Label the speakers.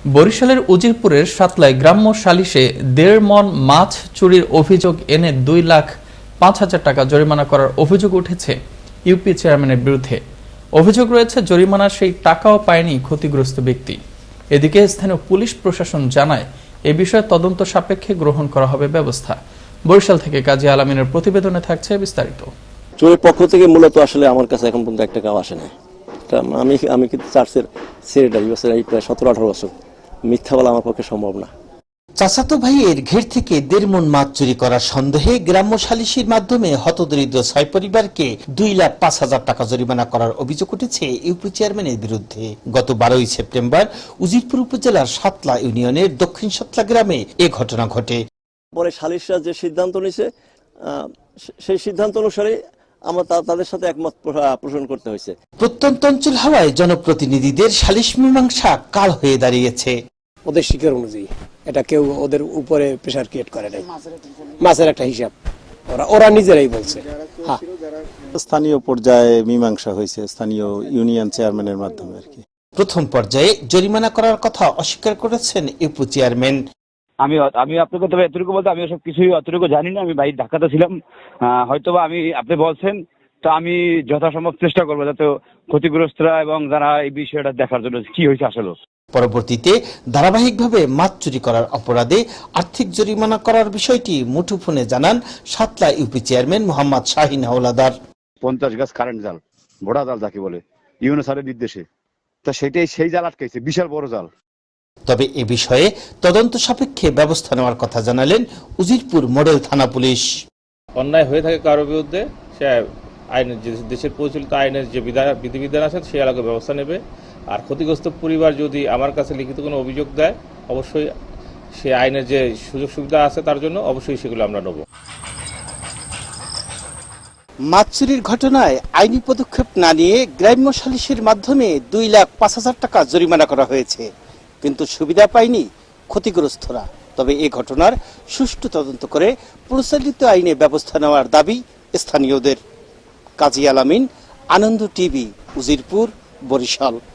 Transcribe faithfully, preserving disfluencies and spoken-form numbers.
Speaker 1: বরিশালের উজিরপুরের সাতলায় গ্রাম্য সালিশে দেড় মণ মাছ চুরির অভিযোগ এনে দুই লাখ পাঁচ হাজার টাকা জরিমানা করার অভিযোগ উঠেছে ইউপি চেয়ারম্যানের বিরুদ্ধে। অভিযোগ রয়েছে জরিমানার সেই টাকাও পায়নি ক্ষতিগ্রস্ত ব্যক্তি। এদিকে স্থানীয় পুলিশ প্রশাসন জানায় এ বিষয়ে তদন্ত সাপেক্ষে গ্রহণ করা হবে ব্যবস্থা। বরিশাল থেকে কাজী আলামিনের প্রতিবেদনে থাকছে বিস্তারিত।
Speaker 2: চোরের পক্ষ থেকে মূলত আসলে আমার কাছে এখন পর্যন্ত এক টাকাও আসে না। আমি আমি কিন্তু চার্চের সেক্রেটারি বছর এই প্রায় সতেরো আঠারো বছর, মিথ্যা বলা আমার পক্ষে সম্ভব না।
Speaker 3: চাচাতো ভাইয়ের ঘের থেকে দেড় মণ মাছ চুরি করার সন্দেহে গ্রাম্য সালিসির মাধ্যমে হতদরিদ্র ছয় পরিবারকে দুই লাখ পাঁচ হাজার টাকা জরিমানা করার অভিযোগ উঠেছে ইউপি চেয়ারম্যানের বিরুদ্ধে। গত বারোই সেপ্টেম্বর উজিরপুর উপজেলার সাতলা ইউনিয়নের দক্ষিণ সাতলা গ্রামে এ ঘটনা ঘটে।
Speaker 2: পরে সালিশরা যে সিদ্ধান্ত নিয়েছে সেই সিদ্ধান্ত অনুসারে আমরা তাদের সাথে একমত পোষণ করতে হয়েছে।
Speaker 3: প্রত্যন্ত অঞ্চল হওয়ায় জনপ্রতিনিধিদের সালিশ মীমাংসা কাল হয়ে দাঁড়িয়েছে।
Speaker 4: ওদের শিকার অনুযায়ী এটা কেউ ওদের উপরে প্রেসার ক্রিয়েট করে নাই, মাছের একটা হিসাব ওরা ওরা নিজেরাই বলছে। হ্যাঁ,
Speaker 5: স্থানীয় পর্যায়ে মীমাংসা হয়েছে স্থানীয় ইউনিয়ন চেয়ারম্যানের মাধ্যমে আর কি।
Speaker 3: প্রথম পর্যায়ে জরিমানা করার কথা অস্বীকার করেছেন ইউপি চেয়ারম্যান।
Speaker 6: আমি আমি আপনাকে তবে এতটুকু বলতে আমি সব কিছুই অতটুকু জানি না, আমি বাইরে ঢাকাতে ছিলাম, হয়তোবা আমি আপনি বলছেন তো আমি যথাসম্ভব চেষ্টা করবো যাতে ক্ষতিগ্রস্তরা এবং যারা এই বিষয়টা দেখার জন্য কি হয়েছে আসলে।
Speaker 3: পরবর্তীতে ধারাবাহিকভাবে মাছ চুরি করার অপরাধে আর্থিক জরিমানা করার বিষয়টি মুঠোফোনে জানান সাতলা ইউপি চেয়ারম্যান মোহাম্মদ শাহিন হাওলাদার।
Speaker 6: পঞ্চাশ গাছ কারেন্ট জাল, ভোড়া জাল যাকে বলে, ইউনো স্যারের নির্দেশে, তা সেটাই সেই জাল আটকাইছে, বিশাল বড় জাল।
Speaker 3: তবে এ বিষয়ে তদন্ত সাপেক্ষে ব্যবস্থা নেওয়ার কথা জানালেন উজিরপুর মডেল থানা পুলিশ।
Speaker 7: অন্যায় হয়ে থাকে কারোর বিরুদ্ধে, সে আইনের যে দেশের প্রচলিত আইনের যে বিধিবিধান আছে সে আলাদা ব্যবস্থা নেবে। আর ক্ষতিগ্রস্ত পরিবার যদি আমার কাছে লিখিত কোনো অভিযোগ দেয়, অবশ্যই সে আইনের যে সুযোগ সুবিধা আছে তার জন্য অবশ্যই সেগুলো আমরা নেব।
Speaker 3: মাছ চুরির ঘটনায় আইনি পদক্ষেপ না নিয়ে গ্রাম্য সালিসের মাধ্যমে দুই লাখ পাঁচ হাজার টাকা জরিমানা করা হয়েছে, কিন্তু সুবিধা পায়নি ক্ষতিগ্রস্তরা। তবে এ ঘটনার সুষ্ঠু তদন্ত করে প্রচলিত আইনে ব্যবস্থা নেওয়ার দাবি স্থানীয়দের। কাজী আলামিন, আনন্দ টিভি, উজিরপুর, বরিশাল।